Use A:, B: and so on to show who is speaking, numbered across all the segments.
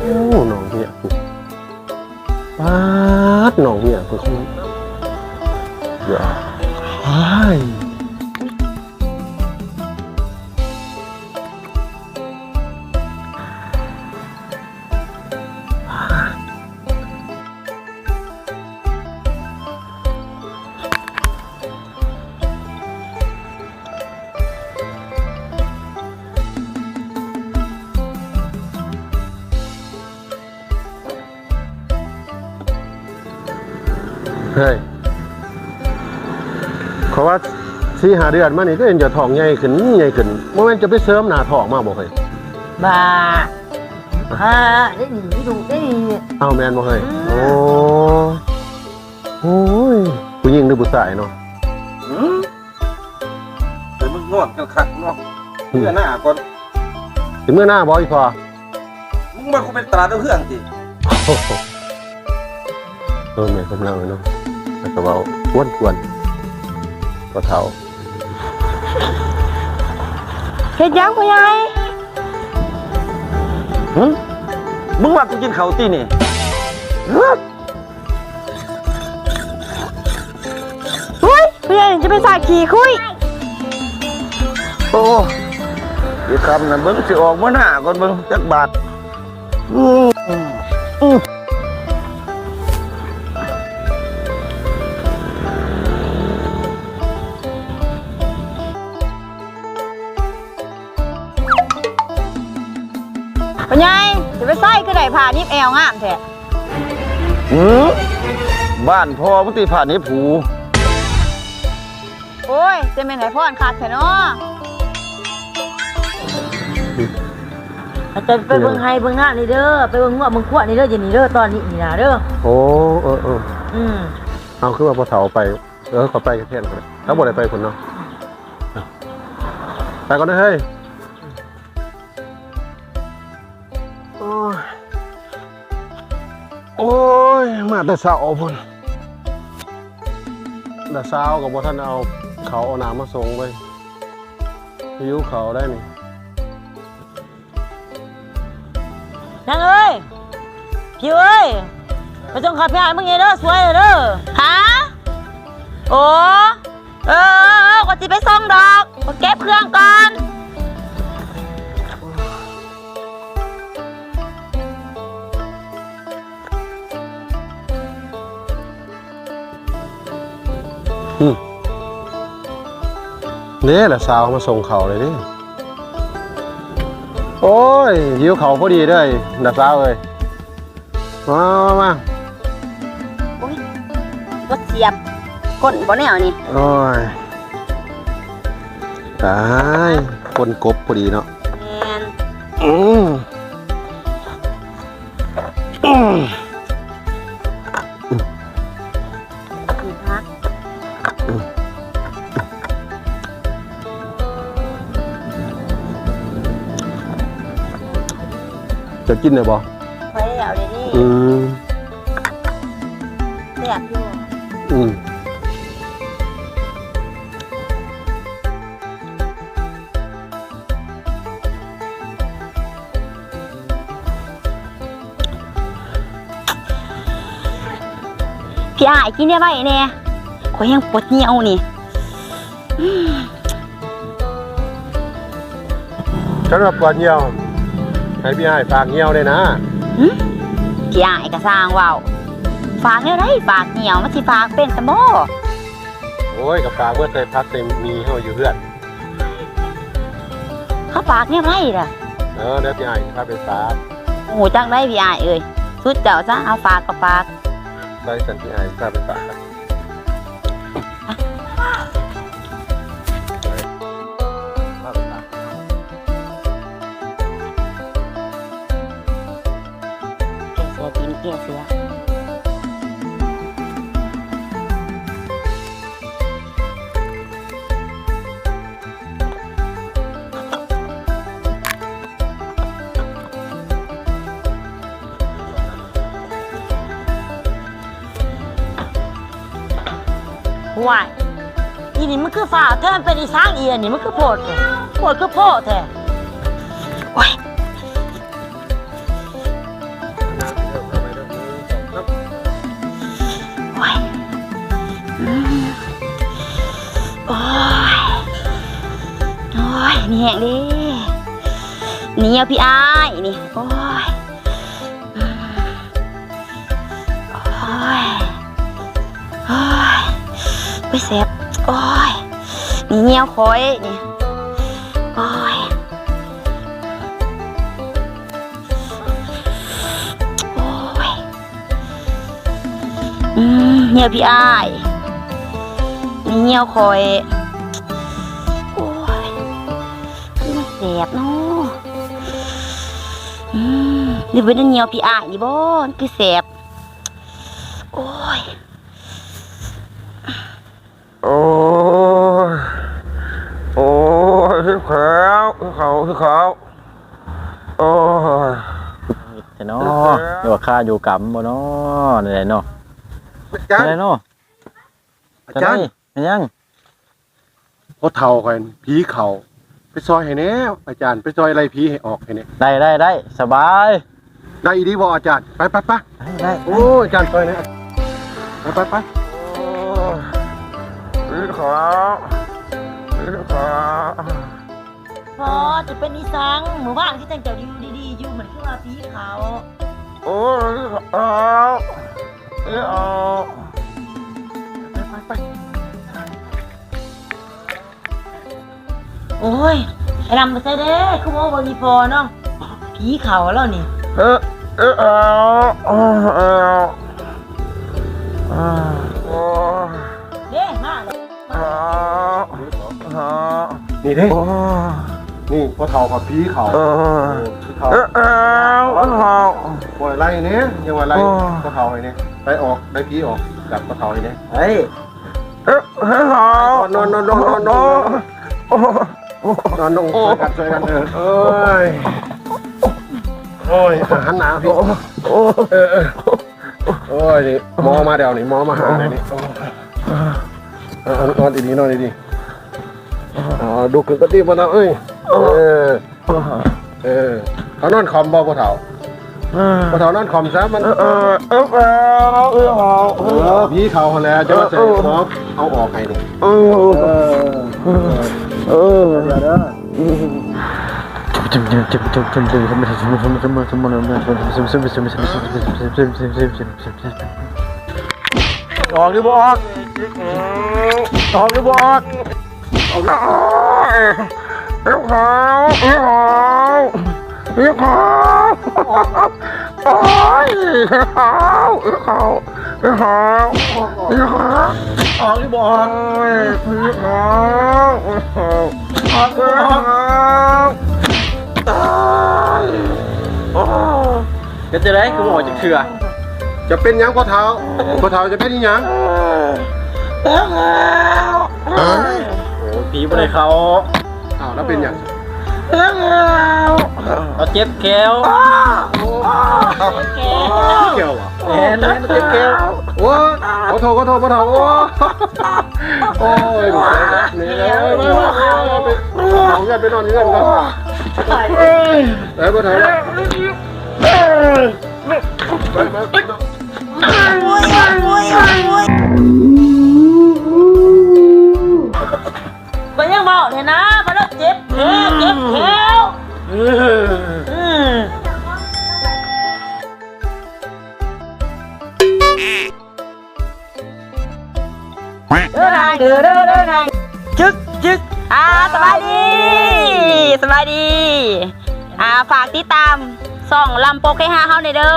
A: โอ้หนองเหี้ยปาดหนองเหี้ยเพื่อเขาเดี๋ยวไอ้เฮ้ยเขาว่า4-5 เดือนมานี่ก็เห็นจะท้องใหญ่ขึ้นใหญ่ขึ้นโมเมนต์จะไปเสริมหน้าท้องมาบ่เคย
B: บ้าได้หนีดูได้หนี
A: เอาแมนบ่เคยโอ้ยผู้หญิงหรือผู้ชายเนาะ
C: แต่มึงนวดกันคักเนาะเมื่อหน้าก่อน
A: ถึงเมื่อหน้าบ่อีพอ
C: มึงมาคุเป็นตลาดเพื่อนสิ
A: แม่กำลังเลยเนาะแล้วก็เว้าควนก็เท่า
B: เฮ็ดยังพ่อใหญ่
C: มึงว่ากูกินข้าวตีนี่
B: อุ้ยพ่อใหญ่จะไปสาขี่คุย
C: โอ้เดี๋ยวคำนั้นเบิ้งสิออกเมื่อหน้าก่อนเบิ้งจักบาท
B: พ่อใหญ่จะไปใส่คือได้ผ่านิบแอวงามแท้
C: บ้านพ่อมึงตีผ่านนี้ผู
B: โอ้ยจะเป็นไหนพ่อนขาดแท้เนาะอาจารย์ไปเบิ่งไฮเบิ่งหน้านี่เด้อไปเบิ่งหัวเบิ่งขวดนี่เด้ออย่านี่เด้อตอนนี้นี่นะเด้อ
A: โอ้เอาคือว่าพอเฒ่าไปขอไปกันเท่นกันถ้าบ่ได้ไปคนเนาะไปก่อนนะเฮ้ยโอ้ยมาแต่เช้าพุ่นแต่เช้ากับบ่ท่านเอาเขาเอาน้ำมาส่งไปหิวเขาได้นี่
B: นางเอ้ยพี่เอ้ยไปส่งข้าวพี่ไอ้มึงไงเด้อสวยเด้อฮะโอ้ก็สิไปส่งดอกก็เก็บเครื่องก่อน
A: เนี่ยแหละสาวมาส่งเขาเลยนี่โอ้ยหิวเขาพอดีด้วยดับสาวเลยมา
B: โอ้ยก็เสียบก้นบ่แนวนี่
A: โอ้ยตายคนกบพอดีเนาะ
B: แมนพัก
A: จะกินได้บ่
B: พอแล้วเลยนี่เสียบอยู่พี่อ้ายกินได้ไหมเนี่ยขอยังปวดเหนียวนี่
A: ฉันว่าปวดเหี่ยวให้พี่อ้ายฝากเหี่ยวได้นะ
B: พี่อ้ายก็สร้างว่าวฝากเนี่ยได้ฝากเหนียวมันสิฝากเป็นสมบ่
A: โอ้ยกับฝากเมื่อใส่พักใส่มีเฮาอยู่เพื่อน
B: เขาฝากเนี่ยไรล่ะ
A: เดี๋ยวพี่อ้ายพาไปฝาก
B: โอ้โหจังได้พี่อ้ายเอ้ยสุดเจ้าซะเอาฝากก็ฝาก
A: ได้สันพี่อ้ายพาไปฝากครับ
B: เกี่ยเสือว้ายอีนี่มันคือฝ่าแท้มันเป็นอีช้างเอียนี่มันคือโพดคือโพดแท้ว้ายนี่แห้งดินี่เอาพี่อ้ายนี่โอ้ยโอ้ยโอ้ยไปแสบโอ้ยนี่เงี้ยวคอยนี่โอ้ยโอ้ยเงี้ยวพี่อ้ายนี่เงี้ยวคอยโอ้ยมันแสบเนาะหรือเป็นเงี้ยวพี่อ้ายนี่บ่มันคือแสบโอ้ย
C: โอ้ยโอ้ยที่แขวที่เขาโอ้ย
A: เนาะเดี๋ยวข้าอยู่กำบ่เนาะนี่แหละเนาะ
C: อาจารย์
A: นี่เนาะ
C: อาจารย์
A: ยัง
C: พ่อเฒ่ากันผีเขาไปซอยให้แน่อาจารย์ไปซอยอะไรผีให้ออกให้แน่
A: ได้สบาย
C: ได้อีดีบ่อาจารย์ไป
A: ได้
C: โอ้ยอาจารย์ซอยนะไปโอ้ยผีเขา
B: พอจะเป็นนิสังหมู่บ้านที่แต่งเจ้าอยู่ดีๆอยู่เหมือนคือว่าผีเขา
C: โอ้ยเอา ไป
B: โอ้ยไอ้ลำมาใส่เด้คือว่าวันนี้พอเนาะผีเขาแล้วนี่
C: เอาโอ้ย
B: เด้มาเลย
C: นี่เด้นี่พ่อเฒ่ากับผีเขาผีเขาปล่อยไล่เนี้ยยังว่าไล่พ่อเฒ่าไอ้เนี่ยไปออกได้ผีออกจากพ่อเฒ่าไอ้เนี่ย
A: เฮ้ย
C: นอนช่วยกันโอ้ยหันหน้าพี่โอ้ยนี่มอมาเดี๋ยวนี่มอมาหาเลยนี่นอนดีดูขึ้นก็ดีมาแล้วเอ้ยเขานอนคอมบ่พ่อเฒ่านอนคอมซะมันพี่เขาแล้วจะมาใส่หมอเอาออกให้นี่ออกหรือบ่ออกออกหรือบ่ออกออกเอ้าเขาโอ้ยเขาออกหรือบ่ออกพี่เขาออกตาย
A: จะได้คือบอกจะเชื่อ
C: จะเป็นยังพ่อเฒ่าจะเป็นยัง
A: โอ้ผีบนเขา
C: อ้าวแล้วเป็นยัง
A: เราเจ็บแก้ว
C: เกี่ยวอ่ะ
A: เห็นเจ็บแก้ว
C: โอ้ขอโทษพ่อเฒ่าโอ้ยนี่เลยไปนอนเงื่อนก่อนพ่อเฒ่า
B: ก็ยังบอกเลยนะว่าเราเจ็บแขวเดินทางจึ๊กสบายดีฝากติดตามส่องลำโปกให้5เฮาในเด้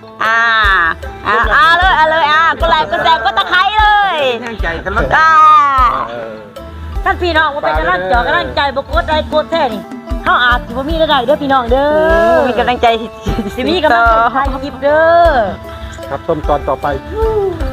B: อเลยกดไลค์กดแชร์กดตะไคร้เลย
C: ใจกันแล้ว
B: ท่านพี่น้องว่าเป็นกำลังใจบกดไลค์กดแชร์นี่เฮาอาจสิบ่มีรายได้เด้อพี่น้องเด้อมีกำลังใจสิมีกำลังใจถ่ายคลิปเด้อ
C: ครับชมตอนต่อไป
B: ค